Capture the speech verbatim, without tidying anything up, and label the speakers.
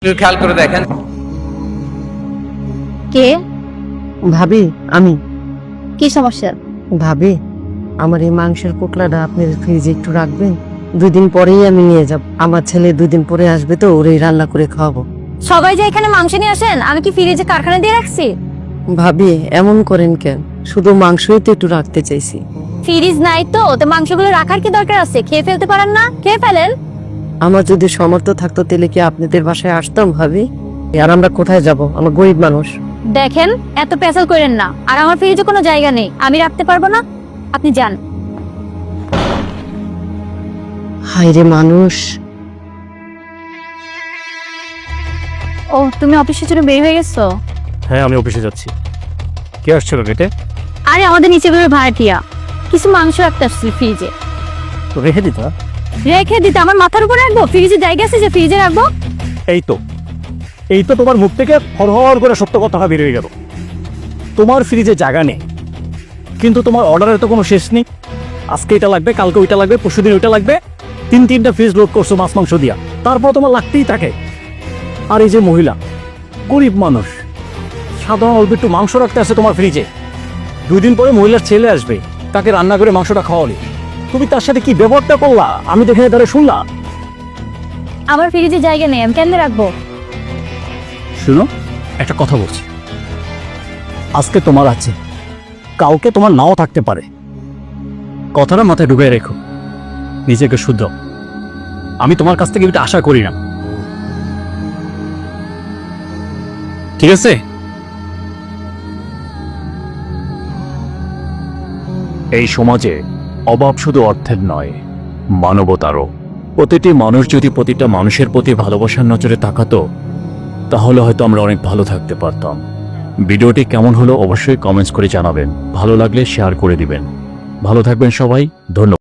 Speaker 1: একটু খেয়াল করে দেখেন।
Speaker 2: কে?
Speaker 3: ভাবি আমি।
Speaker 2: কি সমস্যা?
Speaker 3: ভাবি আমার এই মাংসের পোটলাটা আপনি ফ্রিজে একটু রাখবেন, দুই দিন পরেই আমি নিয়ে যাব। আমার ছেলে দুই দিন পরে আসবে তো, ওরেই রান্না করে খাওয়াবো।
Speaker 2: সবাই যে এখানে মাংস নিয়ে আসেন, আমি কি ফ্রিজে কারখানা দিয়ে রাখছি?
Speaker 3: ভাবি এমন করেন কেন? শুধু মাংসই তো একটু রাখতে চাইছি।
Speaker 2: ফ্রিজ নাই তো তো মাংসগুলো রাখার কি দরকার আছে? খেয়ে ফেলতে পারেন না? খেয়ে ফেলেন।
Speaker 3: আমার যদি সামর্থ্য থাকতো তাহলে কি আপনাদের বাসায় আসতাম ভাবি? আর আমরা কোথায় যাব? আমরা গরিব মানুষ।
Speaker 2: দেখেন, এত পেছাল করেন না। আর আমার ফ্রিজে কোনো জায়গা নেই, আমি রাখতে পারবো না। আপনি যান।
Speaker 3: হায়রে মানুষ।
Speaker 2: ও, তুমি অফিসের জন্য বের হয়ে গেছো?
Speaker 4: হ্যাঁ, আমি অফিসে যাচ্ছি। কে আসছিল গেটে?
Speaker 2: আরে আমাদের নিচে বের ভাড়াটিয়া কিছু মাংস রাখতে আসছিল ফ্রিজে।
Speaker 4: তো রেখে দিতা।
Speaker 2: রেখে দিতে আমার মাথার উপর রাখবো? ফ্রিজে জায়গা আছে যে ফ্রিজে রাখবো?
Speaker 4: এই তো এই তো তোমার মুখ থেকে হরহর করে সত্য কথা বের হয়ে গেল। তোমার ফ্রিজে জায়গা নেই, কিন্তু তোমার অর্ডারের তো কোনো শেষ নেই। আজকে এটা লাগবে, কালকে ওইটা লাগবে, পরশুদিন ওইটা লাগবে। তিন তিনটা ফ্রিজ লোড করছো মাছ মাংস দিয়া, তারপর তোমার লাগতেই থাকে। আর এই যে মহিলা, গরিব মানুষ, সাধারণ অল্প একটু মাংস রাখতে আসে তোমার ফ্রিজে। দুই দিন পরে মহিলার ছেলে আসবে, তাকে রান্না করে মাংসটা খাওয়ালে তুমি তার সাথে কি ব্যবহারটা করলা? আমি দেখে দাঁড়িয়ে শুনলাম।
Speaker 2: আমার ফ্রিজে জায়গা নেই, আমি কেন রাখবো?
Speaker 4: শুনো, একটা কথা বলছি। আজকে তোমার আছে, কাউকে তোমার নাও থাকতে পারে। কথাটা মাথায় ঢুকে রেখো, নিজেকে শুদ্ধ। আমি তোমার কাছ থেকে এটা আশা করি না, ঠিক আছে? এই সমাজে অভাব শুধু অর্থের নয়, মানবতারও। প্রতিটি মানুষ যদি প্রতিটা মানুষের প্রতি ভালোবাসার নজরে তাকাতো, তাহলে হয়তো আমরা অনেক ভালো থাকতে পারতাম। ভিডিওটি কেমন হলো অবশ্যই কমেন্টস করে জানাবেন। ভালো লাগলে শেয়ার করে দিবেন। ভালো থাকবেন সবাই, ধন্যবাদ।